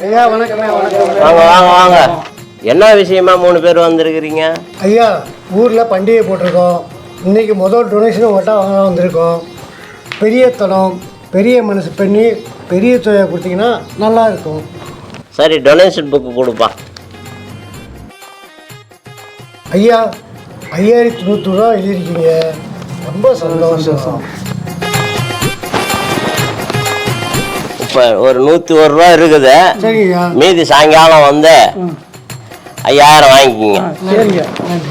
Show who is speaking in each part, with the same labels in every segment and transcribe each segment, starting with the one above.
Speaker 1: ஐயா வணக்கம்.
Speaker 2: வாங்க வாங்க வாங்க. என்ன விஷயமா 3 பேர் வந்திருக்கிறீங்க?
Speaker 1: ஐயா ஊரில் பண்டிகை போட்டிருக்கோம். இன்றைக்கி முதல் டொனேஷன் உங்கள்கிட்ட வாங்க வந்திருக்கோம். பெரிய தனம் பெரிய மனசு பண்ணி பெரிய தொகையை கொடுத்தீங்கன்னா நல்லா இருக்கும்.
Speaker 2: சரி, டொனேஷன் புக்கு கொடுப்பா.
Speaker 1: ஐயா 5100 ரூபா எழுதியிருக்கீங்க. ரொம்ப சந்தோஷம்.
Speaker 2: இப்போ ஒரு 101 ரூபா இருக்குது.
Speaker 1: சரிங்கய்யா.
Speaker 2: மீதி சாயங்காலம் வந்து 5000 வாங்கிக்கிங்க.
Speaker 1: சரிங்க.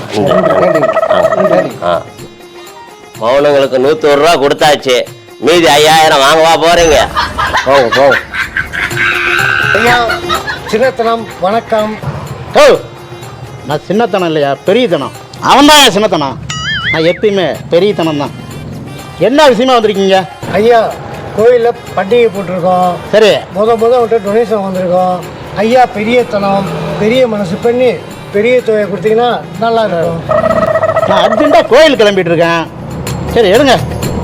Speaker 2: மௌனங்களுக்கு 101 ரூபா கொடுத்தாச்சு. மீதி 5000 வாங்கவா போறீங்க? போங்க போங்க.
Speaker 1: ஐயா சின்னத்தனம் வணக்கம்.
Speaker 3: ஓ, நான் சின்னத்தனம் இல்லையா, பெரியத்தனம். அவன் தான் என் சின்னத்தனம். நான் எப்பயுமே பெரியத்தனம் தான். என்ன விஷயமா வந்திருக்கீங்க?
Speaker 1: ஐயா கோயிலில் பண்டிகை போட்டிருக்கோம்.
Speaker 3: சரி,
Speaker 1: அவங்கள்ட்ட டொனேஷன் வந்திருக்கோம். ஐயா பெரியத்தனம் பெரிய மனசு பண்ணி பெரிய தொகையை கொடுத்தீங்கன்னா நல்லா இருக்கும்.
Speaker 3: நான் அர்ஜென்ட்டாக கோயில் கிளம்பிட்டு இருக்கேன். சரி எடுங்க.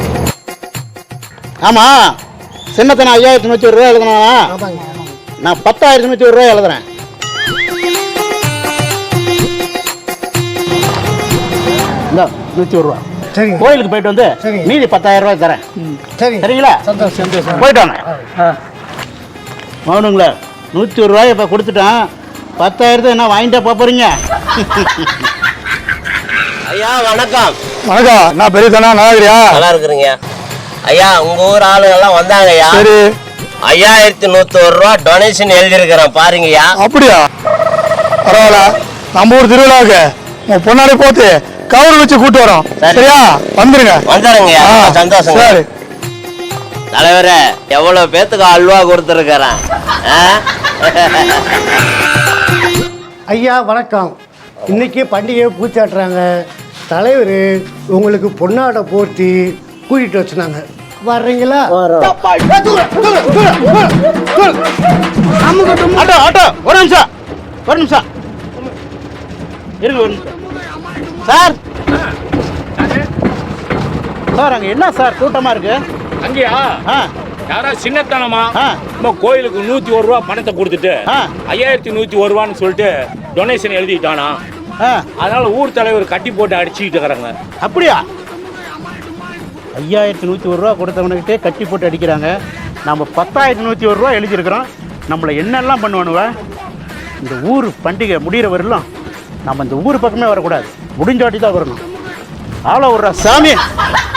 Speaker 3: ஆமாம், சின்னத்தனம் 5100 ரூபா எழுதுனா,
Speaker 1: ஆமாங்க.
Speaker 3: நான் 10100 ரூபா எழுதுறேன். இந்த 101 ரூபா
Speaker 1: சரிங்க.
Speaker 3: கோயிலுக்கு போயிட்டு வந்து
Speaker 1: சரிங்க.
Speaker 3: மீதி 10000 ரூபாய் தரேன்.
Speaker 1: சரி
Speaker 3: சரிங்களா?
Speaker 1: சந்தோஷம்.
Speaker 3: போயிட்டு வாங்க. மௌனுங்களா, 101 ரூபாய் இப்போ கொடுத்துட்டேன். 10000 என்ன வாங்கிட்டே போறீங்க?
Speaker 2: ஐயா வணக்கம்.
Speaker 4: வணக்கம். நான் பெரியதானா, நல்லா இருக்கிறியா?
Speaker 2: நல்லா இருக்கிறீங்க ஐயா. உங்க ஊர் ஆளுங்கெல்லாம் வந்தாங்க ஐயா.
Speaker 4: சரி.
Speaker 2: 5101 ரூபா டொனேஷன் எழுதியிருக்கிறேன் பாருங்கய்யா.
Speaker 4: அப்படியா? பரவாயில்ல. நம்ம ஊர் திருவிழாவுக்கு உன் பொண்ணாடி போத்து கவர் வச்சு கூட்டு வரோம். சரியா? வந்துருங்க.
Speaker 2: வந்துடுங்கய்யா. சந்தோஷம்.
Speaker 4: சரி
Speaker 2: தலைவரே, எவ்வளவு பேத்துக்கு அல்வா கொடுத்துருக்கிறேன்.
Speaker 1: ஐயா வணக்கம். இன்னைக்கு பண்டிகையை பூச்சாட்டுறாங்க. தலைவர் உங்களுக்கு பொன்னாடை போர்த்தி கூட்டிகிட்டு வச்சுனாங்க. வர்றீங்களா?
Speaker 3: ஆட்டோ ஆட்டோ, ஒரு நிமிஷம் ஒரு நிமிஷம் இருங்க, ஒரு நிமிஷம். சார் சார், அங்கே என்ன சார் கூட்டமாக இருக்கு?
Speaker 5: அங்கேயா? யாரா சின்னத்தனமா நம்ம கோயிலுக்கு 101 ரூபா பணத்தை கொடுத்துட்டு 5101 ரூபான்னு சொல்லிட்டு டொனேஷன் எழுதிட்டானா. அதனால ஊர் தலைவர் கட்டி போட்டு அடிச்சுக்கிட்டு இருக்கிறாங்க.
Speaker 3: அப்படியா? 5101 ரூபா கொடுத்தவனுக்கிட்டே கட்டி போட்டு அடிக்கிறாங்க. நம்ம 10101 ரூபா எழுதியிருக்கிறோம். நம்மளை என்னெல்லாம் பண்ணுவானுவ? இந்த ஊர் பண்டிகை முடிகிற வரலாம் நம்ம இந்த ஊர் பக்கமே வரக்கூடாது. முடிஞ்சாட்டி தான் வரணும். ஆள விட்ற சாமி.